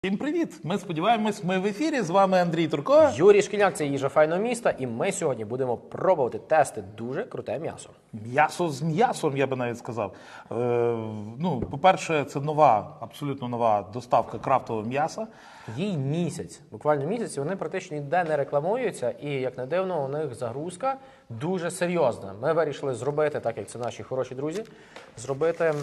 Всім привіт! Ми сподіваємось, ми в ефірі. З вами Андрій Турко. Юрій Шкільняк, це їжа файного міста, і ми сьогодні будемо пробувати тести дуже круте м'ясо. М'ясо з м'ясом, я би навіть сказав. По-перше, це нова, абсолютно нова доставка крафтового м'яса. Їй місяць, буквально місяць, і вони практично ніде не рекламуються, і, як не дивно, у них загрузка дуже серйозна. Ми вирішили зробити, так як це наші хороші друзі, зробити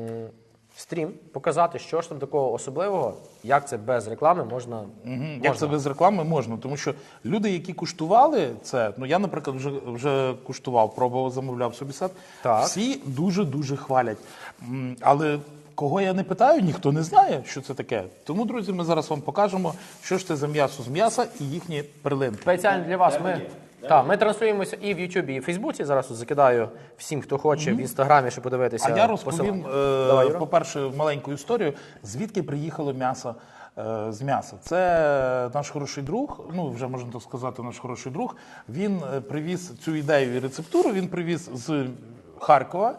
стрім, показати, що ж там такого особливого, як це без реклами можна. Як це без реклами можна, тому що люди, які куштували це, я, наприклад, вже куштував, пробував, замовляв собі сет, Так. всі дуже-дуже хвалять. Але кого я не питаю, ніхто не знає, що це таке. Тому, друзі, ми зараз вам покажемо, що ж це за м'ясо з м'яса і їхні перлинки. Спеціально для вас ми транслюємося і в Ютубі, і в Фейсбуці. Зараз закидаю всім, хто хоче, в Інстаграмі, щоб подивитися. А я розповім, Давай, по-перше, маленьку історію, звідки приїхало м'ясо з м'яса. Це наш хороший друг, вже можна так сказати, наш хороший друг. Він привіз цю ідею і рецептуру, він привіз з Харкова.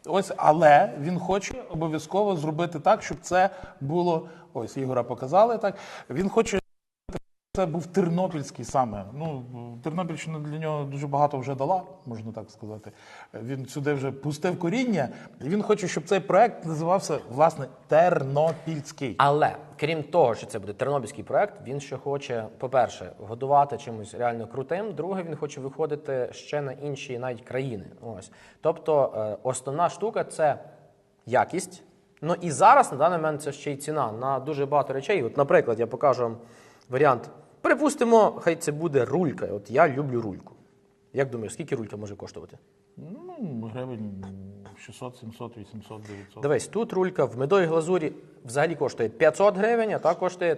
Але він хоче обов'язково зробити так, щоб це було, Ігора показали так, він хоче, це був тернопільський саме. Тернопільщина для нього дуже багато вже дала, можна так сказати. Він сюди вже пустив коріння, і він хоче, щоб цей проект називався, власне, Тернопільський. Але, крім того, що це буде тернопільський проект, він ще хоче, по-перше, годувати чимось реально крутим, друге, він хоче виходити ще на інші навіть країни. Тобто, основна штука – це якість. І зараз, на даний момент, це ще й ціна на дуже багато речей. Наприклад, я покажу вам варіант. Припустимо, хай це буде рулька. Я люблю рульку. Як думаєш, скільки рулька може коштувати? Гривень 600, 700, 800, 900. Дивись, тут рулька в медовій глазурі взагалі коштує 500 гривень, а та коштує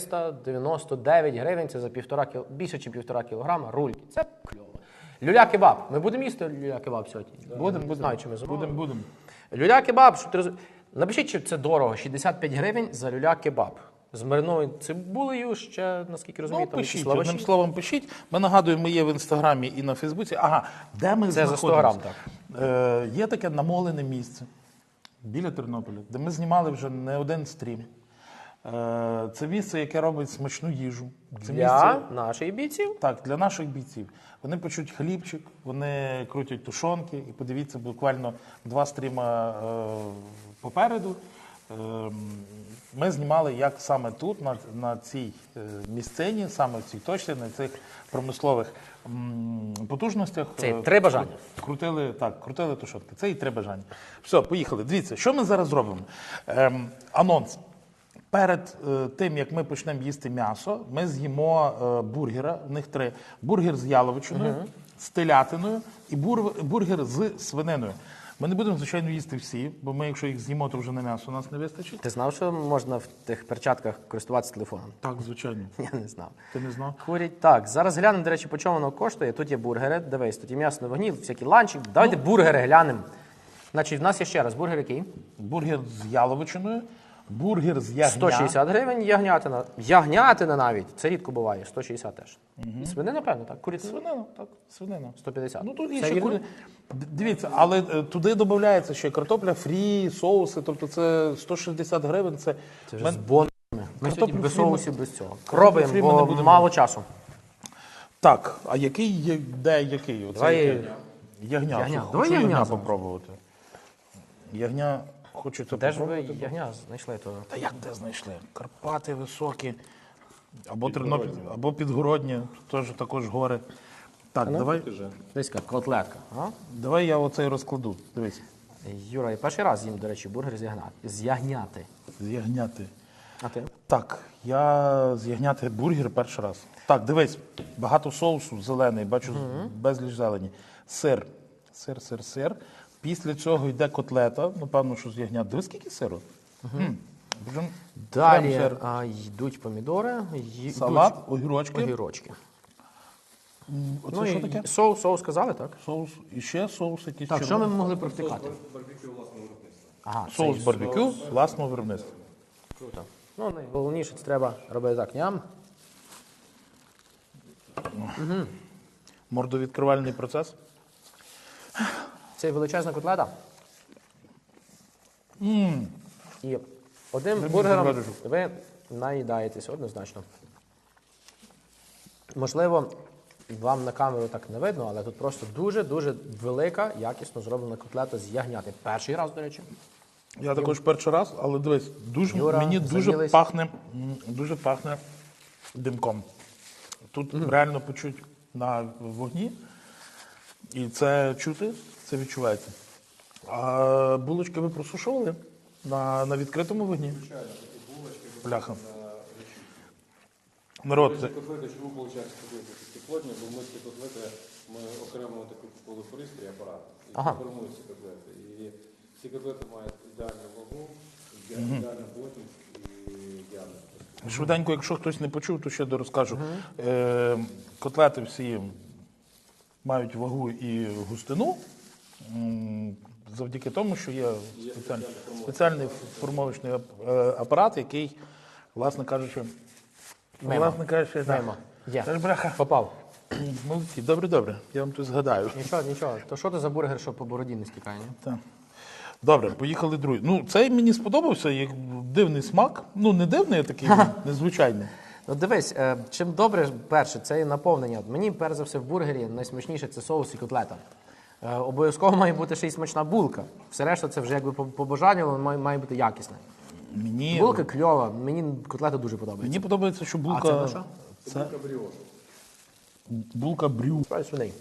399 гривень. Це за більше, ніж 1,5 кілограма рульки. Це кльово. Люля-кебаб. Ми будемо їсти люля-кебаб сьогодні? Будемо. Знаю, чи ми замовимо. Будемо. Люля-кебаб, щоб ти розумів. Напишіть, чи це дорого. 65 гривень за люля-кебаб. З маринованою цибулею ще, наскільки розумію, там пишіть, якісь лаваші. одним словом, пишіть. Ми нагадуємо, ми є в Інстаграмі і на Фейсбуці. Де ми Це за 100 знаходимося? грам, так. Є таке намолене місце біля Тернополя, де ми знімали вже не один стрім. Це місце, яке робить смачну їжу. Це Для наших бійців. Так, для наших бійців. Вони печуть хлібчик, вони крутять тушонки. І подивіться, буквально 2 стріма попереду. Ми знімали, як саме тут, на цій місцині, саме в цій точці, на цих промислових потужностях. Це і 3 бажання. Крутили тушонки. Це і 3 бажання. Все, поїхали. Дивіться, що ми зараз зробимо? Анонс. Перед тим, як ми почнемо їсти м'ясо, ми з'їмо бургера, в них 3. Бургер з яловичиною, з телятиною і бургер з свининою. Ми не будемо, звичайно, їсти всі, бо ми, якщо їх з'їмо, то вже на м'ясо у нас не вистачить. Ти знав, що можна в тих перчатках користуватися телефоном? Так, звичайно. Я не знав. Ти не знав? Курять. Так, зараз глянемо, до речі, по чому воно коштує. Тут є бургери, дивись, тут є м'ясо на вогні, всякі ланчі. Давайте бургери глянемо. Значить, в нас є ще раз бургер який? Бургер з яловичиною, бургер з ягня. 160 гривень, ягнятина. Ягнятина навіть, це рідко буває, 160 теж. Свинина, певно, так? Куриця? Свинина, так, свинина. 150. Тут є Це ще вірно? Дивіться, але туди додається ще картопля фрі, соуси, тобто це 160 гривень. Це вже з бонами. Ми сьогодні без фрі ми- соусів, без цього. картоплю фрі ми Пробуємо, не бо будемо. мало часу. Так, а який є, де який? Оце Давай який? Ягня. Ягня. Хочу Давай ягня ягня попробувати. Ягня, хочу це Де ж ви попробувати. ягня знайшли? То... Та як де знайшли? Карпати високі, або Тернопіль, або Підгородні, також гори. Так, Десь котлетка. А? давай я оцей розкладу. Дивись. Юра, я перший раз їм, до речі, бургер з ягняти. З'ягняти. А ти? Так, я з'ягняти бургер перший раз. Так, дивись, багато соусу, зелений, бачу, безліч зелені. Сир. Сир. Після цього йде котлета, напевно, що з ягнят. Дивись, скільки сиру. Далі Прям йдуть помідори, салат, огірочки. огірочки. Оце що таке? Соус сказали, так? Соус. І ще соус якийсь. Так, що червоний. ми могли провтикати? Ага, Соус цей барбекю власного виробництва. Круто. Найголовніше, це треба робити так. Ням. Мордовідкривальний процес. Це величезна котлета. І одним бургером ви наїдаєтесь однозначно. Можливо, вам на камеру так не видно, але тут просто дуже-дуже велика, якісно зроблена котлета з ягняти. Перший раз, до речі. Я також перший раз, але дивись, Юра, мені заїлись. дуже пахне димком. Тут реально почуть на вогні, і це чути, це відчувається. А булочки ви просушували на відкритому вогні? Звичайно, такі булочки. Бляха. Народ, це... Котлети, чому виходить котлети такі плотні, бо ми ці котлети, ми окремо таку купили пристрій, апарат, і формують ці котлети. І ці котлети мають ідеальну вагу, ідеальну плотність і діаметр. Швиденько, якщо хтось не почув, то ще розкажу. Котлети всі мають вагу і густину, завдяки тому, що є спеціальний формовочний апарат, який, власне кажучи, Мимо. так. Є. Та ж, бляха, Попав. молодці, добре, я вам тут згадаю. Нічого. То що це за бургер, що по бороді не стікає, ні? Так. Добре, поїхали другий. Ну, цей мені сподобався, як дивний смак. Ну, не дивний, а такий незвичайний. Ну дивись, чим добре, перше, це і наповнення. Мені, перш за все, в бургері найсмачніше це соус і котлета. Обов'язково має бути ще й смачна булка. Все решта це вже якби по бажанню, але має бути якісне. Булка кльова, мені котлета дуже подобається. Мені подобається, що булка... А це на що? Це Булка бріош. булка брю. Справді свиней.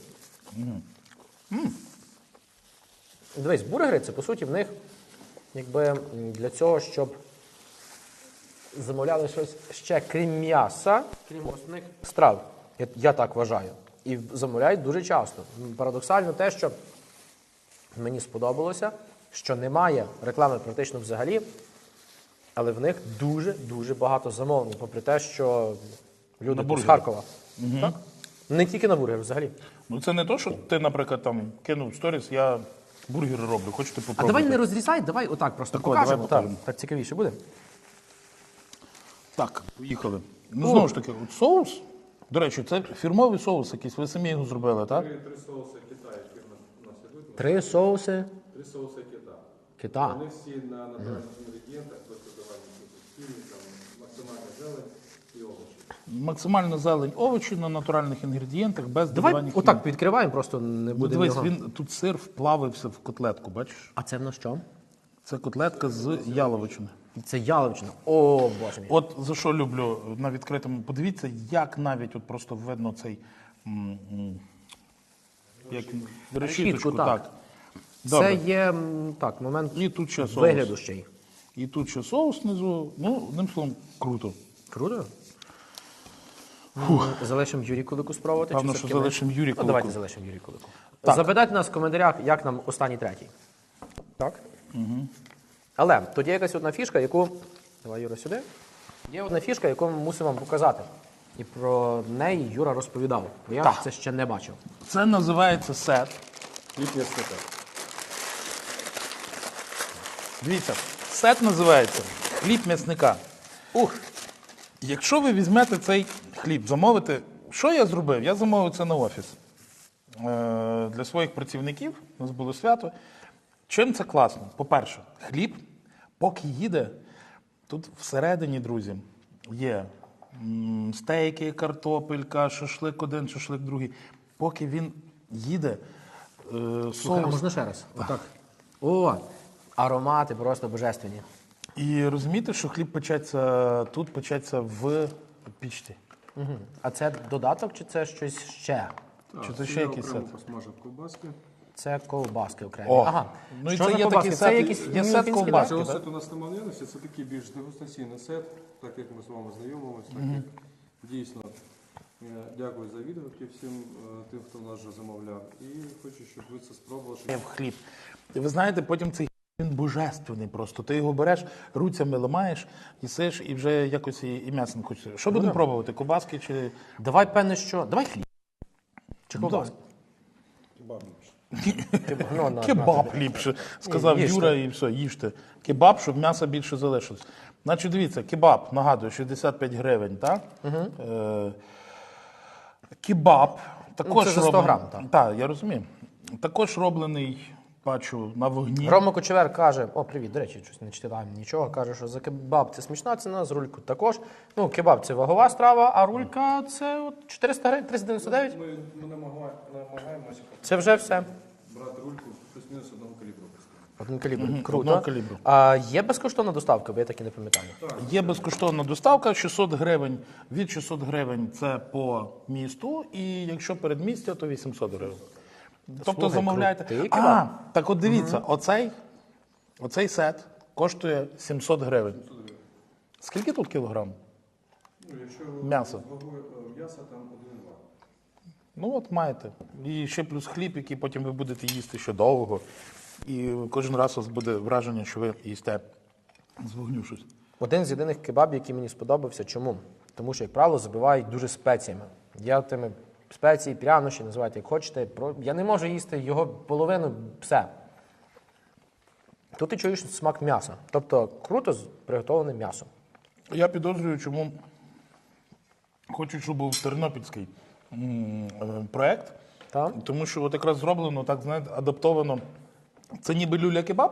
Дивись, бургери, це по суті в них якби для цього, щоб замовляли щось ще крім м'яса, крім основних страв. Я так вважаю. І замовляють дуже часто. Парадоксально те, що мені сподобалося, що немає реклами практично взагалі, але в них дуже багато замовлень, попри те, що люди тут з бургери. Харкова. Так? Не тільки на бургер, взагалі. Ну, це не то, що ти, наприклад, там кинув сторіс, я бургери роблю, хочете А попробувати? давай не розрізай, давай отак просто Так, о, покажемо. давай Так, покажемо. так цікавіше буде. Так, поїхали. Ну, знову ж таки, от соус, до речі, це фірмовий соус якийсь, ви самі його зробили, так? Три соуси Китаю, які в нас ідуть. 3 соуси Три соуси Кита. кита. Вони всі на натуральних інгредієнтах, тобто додавання фільмів, там максимальна зелень і овочі. Максимальна зелень, овочі на натуральних інгредієнтах, без Давай додавання отак відкриваємо, просто не Ну, буде дивись, нього. тут сир вплавився в котлетку, бачиш? А це в нас що? Це котлетка з яловичини. Це яловичина. О, боже мій. От за що люблю на відкритому, подивіться, як навіть от просто видно цей як решіточку, так. так. Це Добре. є так, момент І тут ще соус. вигляду ще й. І тут ще соус внизу. Ну, одним словом, круто. Круто. Залишимо Юрій Кулику спробувати. Певно, чи що все-таки ми? залишимо Юрію Ну, Кулику. давайте залишимо Юрій Кулику. Так. Запитайте нас в коментарях, як нам останній третій. Так? Але тут є якась одна фішка, яку. Давай, Юра, сюди. Є одна фішка, яку ми мусимо вам показати. І про неї Юра розповідав. Бо я Так. це ще не бачив. Це називається сет. Хліб м'ясника. Дивіться, сет називається хліб м'ясника. Ух! Якщо ви візьмете цей хліб, замовите, що я зробив? Я замовив це на офіс. Для своїх працівників, у нас було свято. Чим це класно? По-перше, хліб, поки їде, тут всередині, друзі, є стейки, картопелька, шашлик один, шашлик другий. Поки він їде, Слухай, а соус. можна ще раз? Отак. О, аромати просто божественні. І розумієте, що хліб печеться, тут печеться в пічці. А це додаток чи це щось ще? Чи це ще якийсь сет? Посмажив ковбаски. Це ковбаски окремі. О, Ага. ну і Що це за є ковбаски? такий Це сет, якісь є сет мюнхенські, ковбаски. Цього так? сету у нас немає наявності, це такий більш дегустаційний сет, так як ми з вами знайомилися, так як дійсно. Дякую за відгуки всім тим, хто нас вже замовляв. І хочу, щоб ви це спробували. щоб- В хліб. І ви знаєте, потім цей він божественний просто. Ти його береш, руцями ламаєш, їсиш і вже якось і м'ясо не хочеться. Що будемо пробувати? Ковбаски чи... Давай, певне, що. Давай хліб. Чи ковбаски? Кебаб ліпше. Ну, на, Кебаб ліпше, сказав їжте. Юра, і все, їжте. Кебаб, щоб м'яса більше залишилось. Значить, дивіться, кебаб, нагадую, 65 гривень, так? Кебаб також це за 100 грам, так, я розумію. Також роблений бачу на вогні. Рома Кочевер каже, о, привіт, до речі, щось не читаємо нічого, каже, що за кебаб це смачна ціна, за рульку також. Ну, кебаб це вагова страва, а рулька це от 400 гривень, 399. Ми намагаємося Це вже все. брати рульку плюс-мінус одного калібру. Один калібр. Одного Круто. калібру. А є безкоштовна доставка, бо я так і не пам'ятаю. Є безкоштовна доставка, 600 гривень. Від 600 гривень це по місту, і якщо передмістя, то 800 гривень. Тобто Слухай, замовляєте. крутий кебаб. Так от дивіться, оцей сет коштує 700 гривень. Скільки тут кілограм? Ну, якщо М'ясо. з вагою м'яса, там 1,2. Ну от маєте. І ще плюс хліб, який потім ви будете їсти ще довго. І кожен раз у вас буде враження, що ви їсте з вогню щось. Один з єдиних кебабів, який мені сподобався. Чому? Тому що, як правило, забивають дуже спеціями. Я тими спеції, прянощі, називайте як хочете. Я не можу їсти його половину, все. Тут ти чуєш смак м'яса. Тобто круто приготовлене м'ясо. Я підозрюю, чому хочуть, щоб був тернопільський проект. Так? Тому що от якраз зроблено, так знаєте, адаптовано. Це ніби люля-кебаб,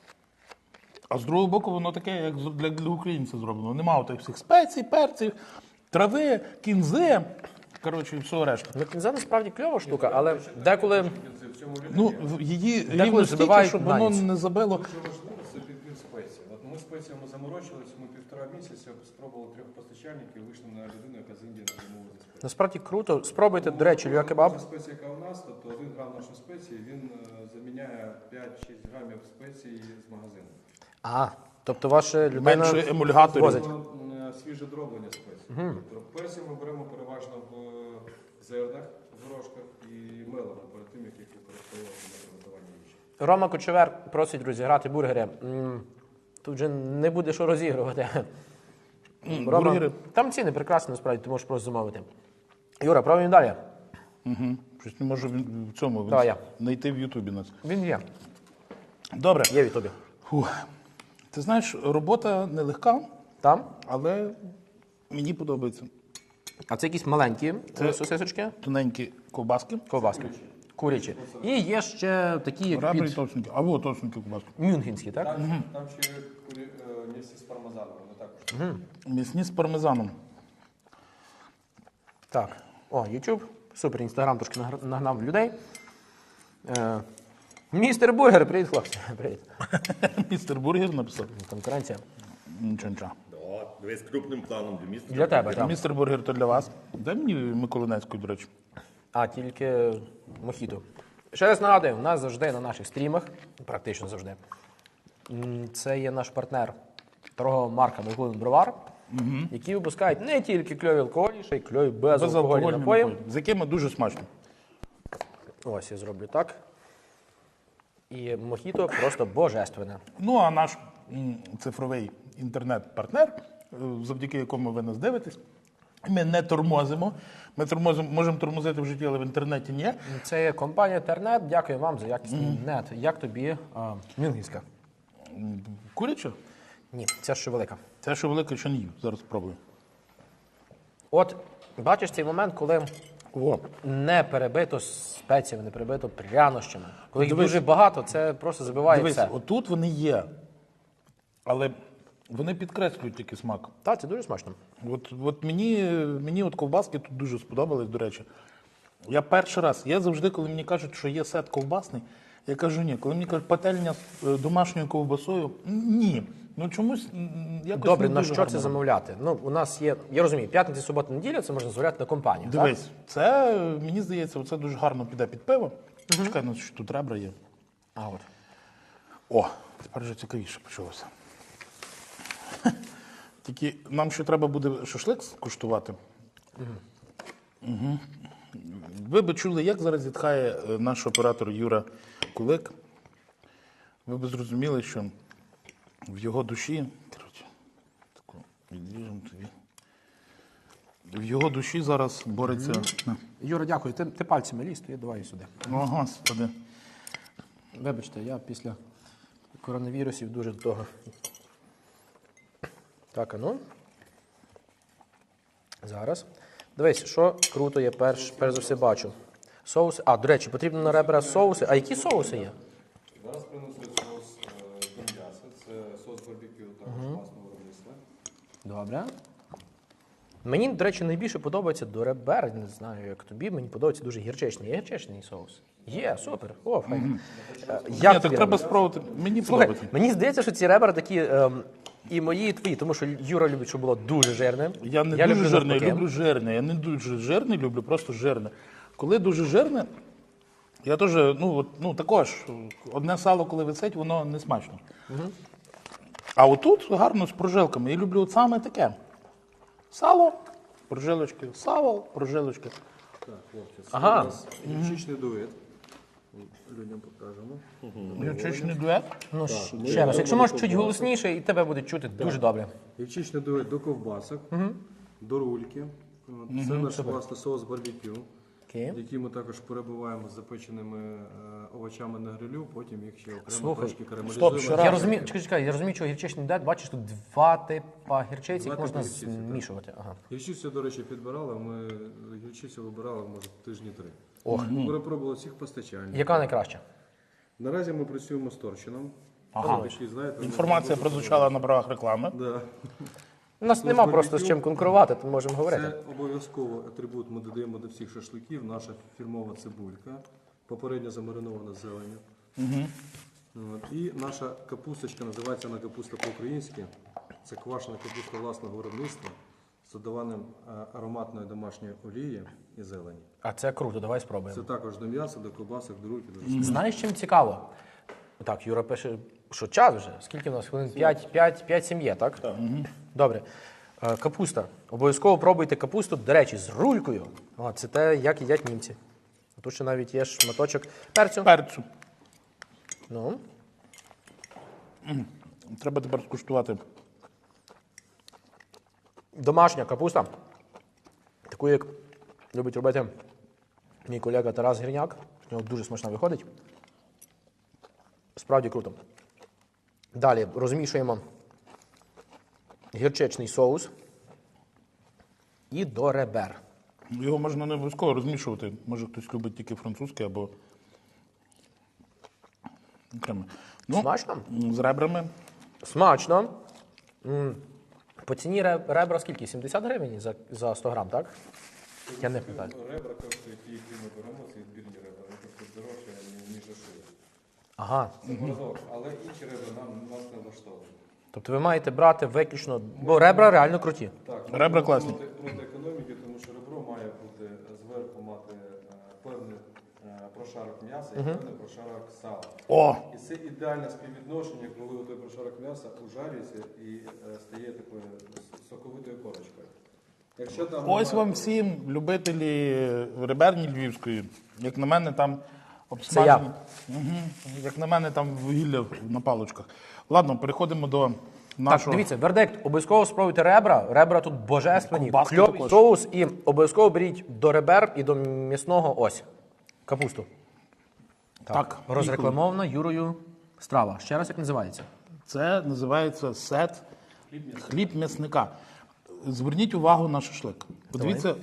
а з другого боку воно таке, як для українців зроблено. Нема отих всіх спецій, перців, трави, кінзи, коротше, і всього решта. Ну, кінза насправді кльова штука, але деколи Ну, її Деколи рівно стільки, забивають щоб на воно ніч. не забило. Дуже важливо це підбір спецій. От ми спеціями заморочились, ми 1,5 місяця спробували 3 постачальників, вийшли на людину, яка з Індії не замовила за спеції. насправді круто. Спробуйте, до речі, люля-кебаб. Кожна спеція, яка у нас, тобто 1 грам нашої спеції, він заміняє 5-6 грамів спеції з магазину. А, тобто ваша людина Менше емульгаторів. возить. Воно свіже дроблення спецій. Тобто персів ми беремо переважно в зернах, в горошках і мелимо перед тим, як їх використовувати для приготування їжі. Рома Кочевер просить розіграти бургери. Тут вже не буде що розігрувати. Рома, бургери. там ціни прекрасні, насправді, ти можеш просто замовити. Юра, пробуємо далі. Щось не можу в цьому Давай я. знайти в Ютубі нас. Він є. Добре. Є в Ютубі. Фух. Ти знаєш, робота нелегка, Там? але мені подобається. А це якісь маленькі сосисочки, Тоненькі ковбаски. ковбаски. Курячі. І є ще такі, як Ребра і під товстенькі. Або товстенькі ковбаски. мюнхенські, так? Там ще місці з пармезаном, вони також. М'ясні з пармезаном. Так. О, YouTube. Супер, Інстаграм трошки нагнав людей. Містер Бургер, привіт, хлопці. Привіт. Містер Бургер написав. Конкуренція. Нічого. Дивись крупним планом для міста. Для тебе, так. Містер Бургер то для вас. Дай мені Миколинецьку, до речі. А, тільки мохіто. Ще раз нагадую, у нас завжди на наших стрімах, практично завжди, це є наш партнер торгова марка Миколин Бровар, які випускають не тільки кльові алкоголі, ще й кльові безалкогольні напої. з якими дуже смачно. Ось я зроблю так. І мохіто просто божественне. Ну, а наш цифровий інтернет-партнер, завдяки якому ви нас дивитесь, ми не тормозимо. Ми можемо тормозити в житті, але в інтернеті ні. Це є компанія Тернет. Дякую вам за якісний нет. Як тобі мюнхенська? Куряча? Ні, ця ще велика. Це що велике, що не їв. Зараз спробую. От, бачиш цей момент, коли О, не перебито спеціями, не перебито прянощами. Коли їх Дивись. дуже багато, це просто забиває дивись, все. отут вони є, але вони підкреслюють тільки смак. Так, це дуже смачно. От мені от ковбаски тут дуже сподобались, до речі. Я перший раз, я завжди, коли мені кажуть, що є сет ковбасний, я кажу ні. Коли мені кажуть, пательня з домашньою ковбасою, ні. Ну чомусь якось Добре, не на дуже що гарно. це замовляти? Ну, у нас є, я розумію, п'ятниця, субота, неділя, це можна замовляти на компанію. Дивись, це, мені здається, це дуже гарно піде під пиво. Чекай, ну що тут ребра є. А от. О, тепер вже цікавіше почалося. Тільки нам ще треба буде шашлик скуштувати. Угу. Ви б чули, як зараз зітхає наш оператор Юра Кулик. Ви б зрозуміли, що в його душі, коротше, таку відріжемо тобі. В його душі зараз бореться. Юра, дякую. Ти пальцями ліз, то я давай сюди. О, Господи. Вибачте, я після коронавірусів дуже до того. Так, а ну. Зараз. Дивись, що круто я перш за все бачу. Соуси. А, до речі, потрібно на ребра соуси. А які соуси є? Добре. Мені, до речі, найбільше подобається до ребер, не знаю, як тобі, мені подобається дуже гірчичний. Є гірчичний соус? Є, супер. О, файно. Ні, Як так тобі треба ребра? спробувати. Мені Слухай, подобається. мені здається, що ці ребра такі і мої, і твої, тому що Юра любить, щоб було дуже жирне. Я не дуже люблю жирний, я навпаки. люблю жирне. Я не дуже жирний, люблю просто жирне. Коли дуже жирне, я теж, також, одне сало, коли висить, воно не смачно. А отут гарно з прожилками. Я люблю от саме таке. Сало, прожилочки, сало, прожилочки. Так, хлопці, це Ага. у нас гірчичний дует. Людям покажемо. Гірчичний дует. Ну, ще раз, якщо можеш чуть голосніше, і тебе буде чути дуже добре. Гірчичний дует до ковбасок, до рульки. От, це наш власний соус барбекю, Окей. який ми також перебиваємо з запеченими овочами на грилю, потім їх ще окремо Слухай, трошки карамелізуємо. стоп, ще раз. Я розумію, чекай, я розумію, що гірчичний дед, бачиш, тут два типа гірчиці, їх Два можна типи гірчиці, так. змішувати. Ага. Гірчицю, до речі, підбирали, ми гірчицю вибирали, може, тижні 3. Ох. Ми перепробували всіх постачальників. Яка найкраща? Наразі ми працюємо з торчином. Ага. Такий, знаєте, Інформація прозвучала на правах реклами. Да. У нас нема просто з чим конкурувати, то можемо говорити. Це обов'язково атрибут ми додаємо до всіх шашликів. Наша фірмова цибулька, попередньо замаринована зеленню. От. І наша капусточка, називається вона капуста по-українськи. Це квашена капуста власного виробництва з додаванням ароматної домашньої олії і зелені. А це круто, давай Це спробуємо. також до м'яса, до ковбасок, до рульки. До рису. Знаєш, чим цікаво? Так, Юра пише, що час вже. Скільки в нас хвилин? 5-7 є, так? Так. Добре. Капуста. Обов'язково пробуйте капусту, до речі, з рулькою. О, це те, як їдять німці. Тут ще навіть є шматочок перцю. Перцю. Ну, Треба тепер скуштувати. домашня капуста. Таку, як любить робити мій колега Тарас Гірняк. В нього дуже смачно виходить. Справді круто. Далі розмішуємо гірчичний соус і до ребер. Його можна не обов'язково розмішувати. Може хтось любить тільки французьке або окремо. Смачно? З ребрами. Смачно. По ціні ребра скільки? 70 гривень за 100 грам, так? Я не пам'ятаю. Ребра коштують ті, які ми беремо, це відбірні ребра. Вони коштують дорожче, ніж шия. Ага. Це морозок, але інші ребра нас не влаштовують. Тобто ви маєте брати виключно, бо ребра реально круті. Так, Ребра класні. проти економіки, тому що ребро має бути зверху мати певний прошарок м'яса і певний прошарок сала. О! І це ідеальне співвідношення, коли той прошарок м'яса ужарюється і стає такою соковитою корочкою. Якщо там Ось немає- вам всім, любителі реберні львівської. Як на мене, там Це обсмажені. я. Як на мене, там вугілля на паличках. Ладно, переходимо до Так, нашого. дивіться, вердикт. Обов'язково спробуйте ребра. Ребра тут божественні. Ковбаски Кльовий також. соус і обов'язково беріть до ребер і до м'ясного ось. Капусту. Так, Розрекламована Юрою страва. Ще раз, як називається? це називається сет хліб м'ясника. Зверніть увагу на шашлик. Подивіться,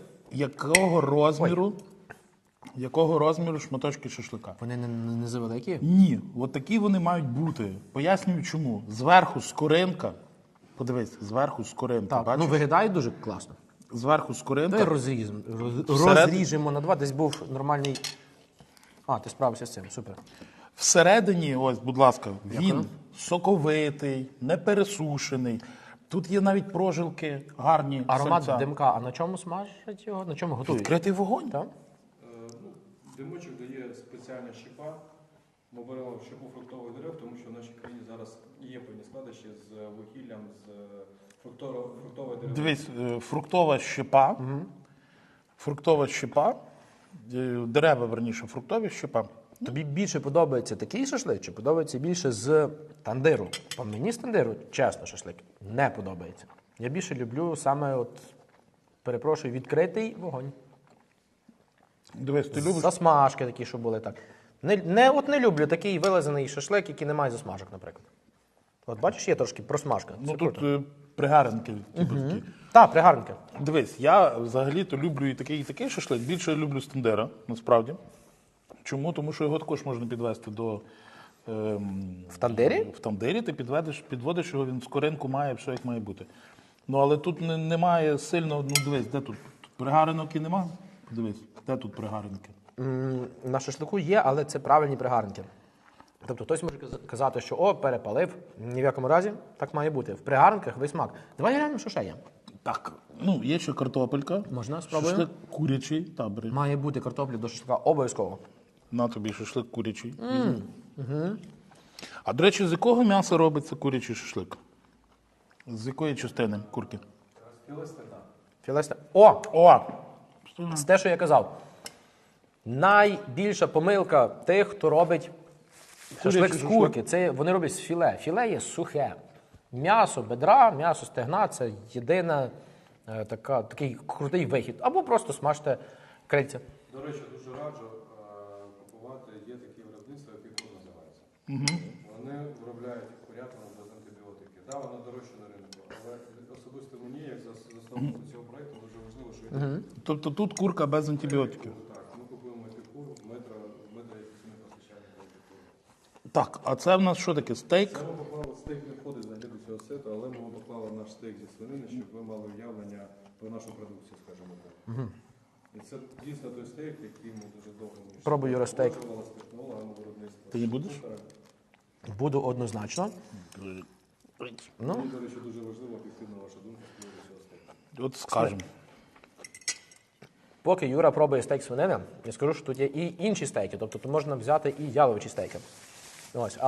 якого розміру шматочки шашлика. Вони не завеликі? Ні, от такі вони мають бути. Пояснюю чому. Зверху скоринка. Подивись, зверху скоринка. Так, Бачиш? ну виглядає дуже класно. Зверху скоринка. Давай розріжемо на два. Десь був нормальний. А, ти справився з цим, супер. Всередині, ось, будь ласка, він соковитий, не пересушений. Тут є навіть прожилки гарні. Аромат серця. димка. А на чому смажать його? На чому готують? Відкритий вогонь. Так? Димочок дає спеціальна щепа. Ми беремо щепу фруктових дерев, тому що в нашій країні зараз є певні складощі з вугіллям, з фруктової дерев. Дивись, фруктова щепа. Фруктова щепа. Дерева, верніше, фруктові щепа. Тобі більше подобається такий шашлик, чи подобається більше з тандиру? По мені з тандиру, чесно, шашлик не подобається. Я більше люблю саме, от, перепрошую, відкритий вогонь. Дивись, ти любиш. Засмажки такі, що були так. Не люблю такий вилазений шашлик, який не має засмажок, наприклад. От бачиш, є трошки просмажка. Це Ну круто. тут пригаренки. Типу, такі. Так, пригарненьке. Дивись, я взагалі-то люблю і такий шашлик. Більше я люблю стендера, насправді. Чому? Тому що його також можна підвести до. В тандирі? В тандирі ти підводиш його, він скоринку має, все як має бути. Ну, але тут немає сильно, ну дивись, де тут? Тут пригаринок немає? Подивись, де тут пригаринки? На шашлику є, але це правильні пригарники. Тобто хтось може казати, що о, перепалив. Ні в якому разі так має бути. В пригарниках весь смак. Давай глянемо, що ще є. Так, ну, є ще картопелька. Можна спробуємо? Шашлик курячий, та, бери. Має бути картопля до шашлика обов'язково. На тобі шашлик курячий. А, до речі, з якого м'яса робиться курячий шашлик? З якої частини курки? Філесте. О! О! Це те, що я казав. Найбільша помилка тих, хто робить шашлик з шашлик. курки. Це вони роблять з філе. Філе є сухе. М'ясо бедра, м'ясо стегна це єдина такий крутий вихід. Або просто смажте крильця. До речі, дуже раджу купувати, є такі виробництва, які кур називаються. Вони виробляють курятину без антибіотики. Так, вона дорожча на ринку, але особисто мені, як засновнику цього проєкту, дуже важливо, що є Тобто тут курка без антибіотиків. так. Ми купуємо епікур, метро якісний постачальник епікур. Так, а це в нас що таке? Стейк? Ми поклали стейк не входить взагалі до цього сету, але ми поклали наш стейк зі свинини, щоб ви мали уявлення про нашу продукцію, скажімо так. І це дійсно той стейк, який ми дуже довго Пробуй, Юра, стейк. з технологами виробництва. Ти не будеш? Буду однозначно. Мені, до речі, дуже важливо об'єктивна ваша думка з приводу цього стейку. От скажемо. Поки Юра пробує стейк свинини, я скажу, що тут є і інші стейки. Тобто тут можна взяти і яловичі стейки. Ось,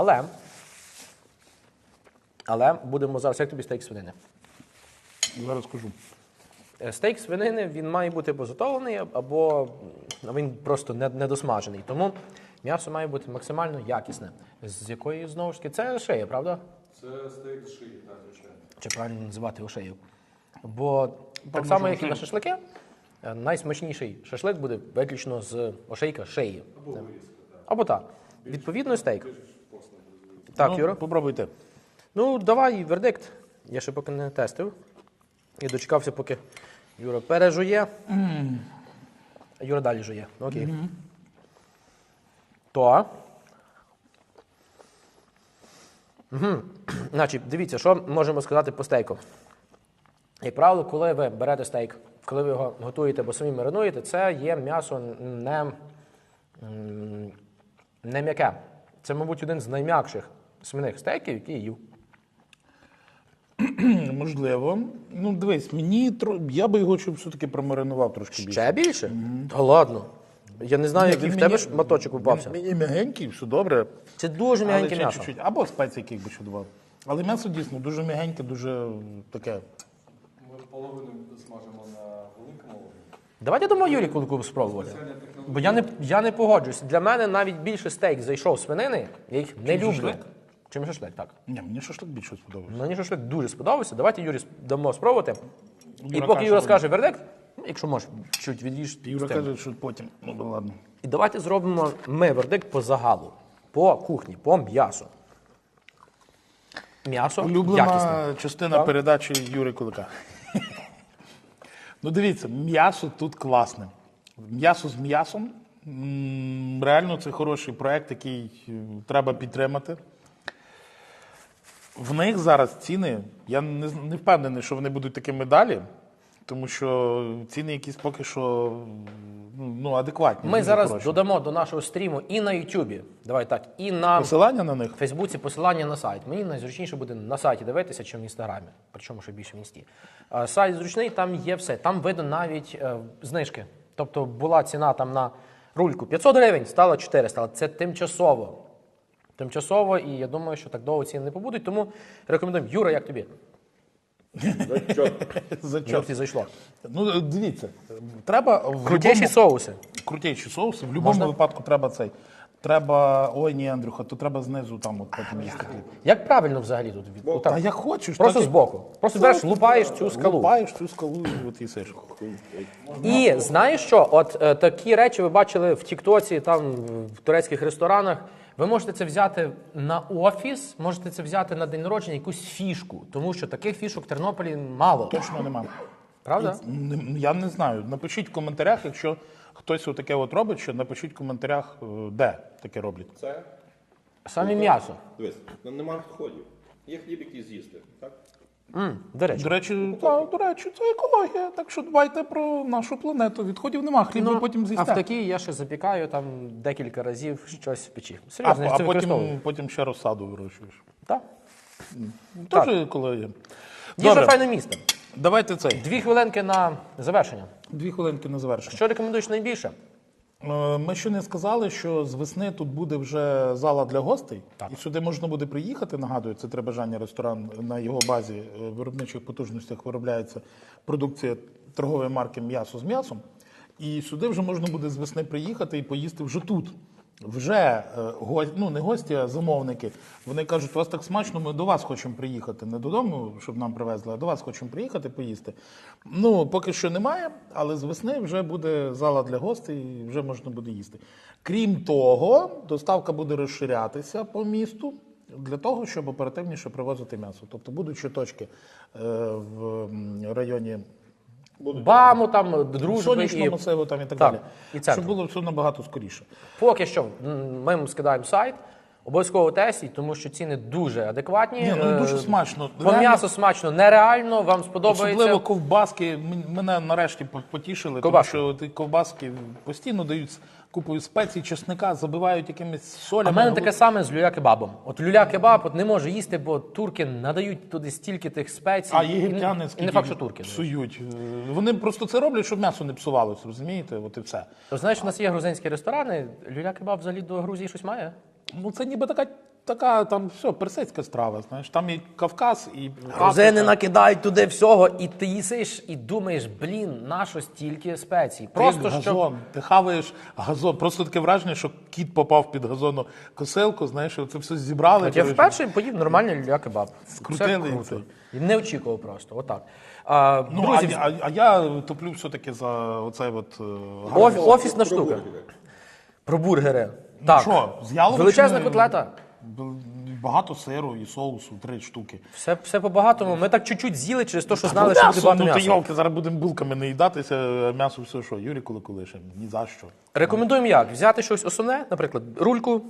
але будемо зараз, як тобі стейк свинини? Зараз скажу. Стейк свинини, він має бути або затовлений, або він просто недосмажений. Тому м'ясо має бути максимально якісне. З якої, знову ж таки, це шия, правда? Це стейк з шиї, так, звичайно. Чи правильно називати шию? Бо так само, як і на шашлики, найсмачніший шашлик буде виключно з ошейка шиї. Або вирізка, так. Або так. Відповідно, стейк. Так, Ну, Юра? попробуйте. Ну, давай вердикт. Я ще поки не тестив. Я дочекався, поки Юра пережує. А Юра далі жує. Окей. То. Значить, дивіться, що можемо сказати по стейку. Як правило, коли ви берете стейк, коли ви його готуєте або самі маринуєте, це є м'ясо не м'яке. Це, мабуть, один з найм'якших свиних стейків, які я їв. Можливо. Ну, дивись, я би його щоб все-таки промаринував трошки більше. Ще більше? Та ладно. Я не знаю, який в тебе шматочок упався. Мені м'ягенький, все добре. Це дуже Але м'ягеньке ще м'ясо. чуть-чуть. Або спеції яких би ще додав. Але м'ясо дійсно дуже м'ягеньке, дуже таке. Ми половину смажимо на великому вогні. Давайте дамо Юрі кулику спробувати. Бо я не погоджуюсь. Для мене навіть більше стейк зайшов з свинини, я їх не люблю. шашлик? Чим шашлик, так. Ні, мені шашлик більше сподобався. Мені шашлик дуже сподобався. Давайте Юрі дамо спробувати. І Юра поки каже, Юра що скаже вердикт, якщо можеш, чуть від'їж. Юра каже, що потім. Ну, ладно. І давайте зробимо ми вердикт по загалу, по кухні, по м'ясу. М'ясо Улюблена якісне. частина Так. передачі Юри Кулика. Ну, дивіться, м'ясо тут класне. М'ясо з м'ясом. Реально, це хороший проект, який треба підтримати. В них зараз ціни, я не впевнений, що вони будуть такими далі, тому що ціни якісь поки що адекватні. Ми дуже зараз хороші. додамо до нашого стріму і на Ютубі, давай так, і на Посилання на них? Фейсбуці посилання на сайт. Мені найзручніше буде на сайті дивитися, чим в інстаграмі. Причому ще більше в інсті. Сайт зручний, там є все. Там видно навіть знижки. Тобто була ціна там на рульку 500 гривень, стала 400, але це тимчасово. Тимчасово, і я думаю, що так довго ціни не побудуть, тому рекомендуємо. Юра, як тобі? За Як що? тобі зайшло? Ну, дивіться, треба в Крутіші соуси. крутіші соуси. В будь-якому Можна? випадку треба цей. Треба, ой, ні, Андрюха, то треба знизу там от потім їсти. Як правильно взагалі тут? Та як хочеш. Просто так і- збоку. Просто береш, лупаєш цю скалу. Лупаєш цю скалу і от їсиш. І знаєш що? От такі речі ви бачили в Тіктоці, там в турецьких ресторанах. Ви можете це взяти на офіс, можете це взяти на день народження, якусь фішку, тому що таких фішок в Тернополі мало. Точно нема. Правда? Я не знаю. Напишіть в коментарях, якщо хтось отаке от робить, що напишіть в коментарях, де таке роблять. Це, Саме м'ясо. дивись, нема відходів. Є хліб, який з'їсти, так? До речі. До речі, це екологія. Так що дбайте про нашу планету. Відходів нема, хліб ви потім А з'їсте. в такій я ще запікаю там декілька разів щось в печі. Серйозно, я А це використовую. потім ще розсаду вирощуєш. Так. Теж екологія. Їжа Добре, файне місто. давайте цей. 2 хвилинки на завершення. 2 хвилинки на завершення. Що рекомендуєш найбільше? Ми ще не сказали, що з весни тут буде вже зала для гостей, і сюди можна буде приїхати. Нагадую, це «Три бажання» ресторан. На його базі виробничих потужностях виробляється продукція торгової марки «М'ясо з м'ясом». І сюди вже можна буде з весни приїхати і поїсти вже тут. Вже не гості, а замовники. Вони кажуть, у вас так смачно, ми до вас хочемо приїхати. Не додому, щоб нам привезли, а до вас хочемо приїхати поїсти. Ну, поки що немає, але з весни вже буде зала для гостей і вже можна буде їсти. Крім того, доставка буде розширятися по місту для того, щоб оперативніше привозити м'ясо. Тобто будуть ще точки в районі Баму, там, дружби сонячного і... масиву там і так Так, далі. і центру. Щоб було все набагато скоріше. Поки що ми вам скидаємо сайт. Обов'язково тестіть, тому що ціни дуже адекватні. Ні, ну дуже смачно. По м'ясо смачно нереально, вам сподобається. Особливо ковбаски. Мене нарешті потішили, Ковбаски. тому що ті ковбаски постійно дають купою спецій, чесника, забивають якимись солями. А в мене таке саме з люля-кебабом. От люля-кебаб от не може їсти, бо турки надають туди стільки тих спецій. А єгиптяни І не факт, що турки. псують. Вони просто це роблять, щоб м'ясо не псувалося, розумієте? От і все. То знаєш, у нас є грузинські ресторани, люля-кебаб взагалі до Грузії щось має? Ну це ніби така там все, персидська страва, знаєш. Там і Кавказ, і Грузини Африка. накидають туди всього, і ти їсиш, і думаєш, блін, нащо стільки спецій? Просто Ти щоб... газон, ти хаваєш газон. Просто таке враження, що кіт попав під газону косилку, знаєш, і це все зібрали. От я вперше поїв нормальний люля-кебаб. Скрутили Все і круто. це. І не очікував просто, отак. Ну, Друзі, а я топлю все-таки за оцей от... офісна штука. Про бургери. Так. Що, з яловичиною? Величезна котлета. Багато сиру і соусу, 3 штуки. Все по-багатому. Ми так чуть-чуть з'їли через те, що знали, що буде М'ясо, багато ну ти м'яса. йолки, зараз будемо булками не їдатися, а м'ясо все що, Юрій Куликулишин, ні за що. Рекомендуємо як? Взяти щось основне, наприклад, рульку,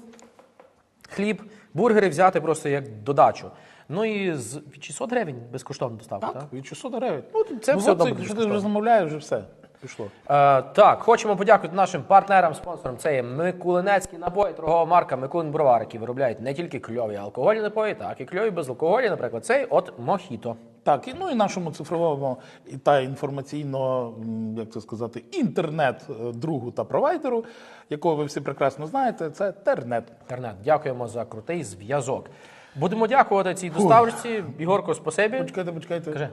хліб, бургери взяти просто як додачу. Ну і від 600 гривень безкоштовна доставка, так? Від 600 гривень. Це все одно буде Якщо ти безкоштовно. вже замовляєш, вже все, пішло. Так, хочемо подякувати нашим партнерам, спонсорам. Це є Микулинецькі напої, торгова марка Микулин Бровар, які виробляють не тільки кльові алкогольні напої, так і кльові безалкогольні, наприклад, цей от Мохіто. Так, і, ну і нашому цифровому та інформаційно, як це сказати, інтернет-другу та провайдеру, якого ви всі прекрасно знаєте, це Тернет. Інтернет. Дякуємо за крутий зв'язок. Будемо дякувати цій доставці. Ігорко, спасибі. Почекайте. Кажи.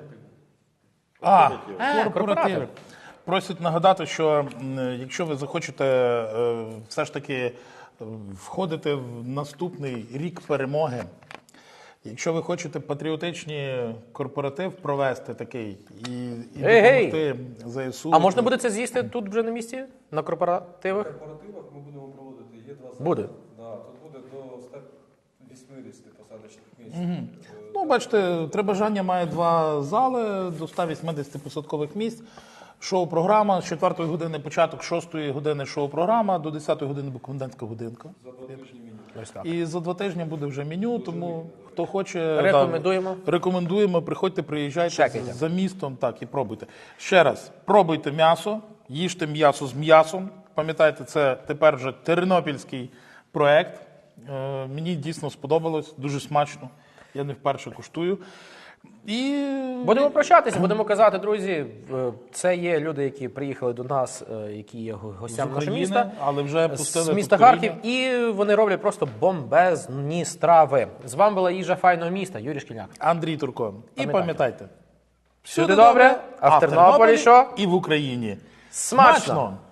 Корпоративи. корпоратив. Просять нагадати, що якщо ви захочете все ж таки входити в наступний рік перемоги, якщо ви хочете патріотичний корпоратив провести такий і допомогти ЗСУ. А можна буде це з'їсти тут вже на місці? На корпоративах? На корпоративах ми будемо проводити, є 2 Буде. Да, тут буде до 180 посадочних місць. Ну, бачите, «Три бажання» має 2 зали до 180 посадкових місць. Шоу-програма з 4 години початок, 6 години шоу-програма, до 10 години комендантська годинка. За 2 тижні мінімум. Ось так. І за 2 тижні буде вже меню, тому хто хоче... Рекомендуємо. Рекомендуємо, приходьте, приїжджайте Чекайте. за містом, так, і пробуйте. Ще раз, пробуйте м'ясо, їжте м'ясо з м'ясом. Пам'ятайте, це тепер вже тернопільський проект. Мені дійсно сподобалось, дуже смачно. Я не вперше куштую. І Будемо прощатися, будемо казати, друзі, це є люди, які приїхали до нас, які є гостями нашого України, міста. але вже З пустили міста повторіння. Харків, і вони роблять просто бомбезні страви. З вами була їжа файного міста, Юрій Шкільняк. Андрій Турко. І пам'ятайте, Всюди добре, а в Тернополі що? І в Україні. Смачно!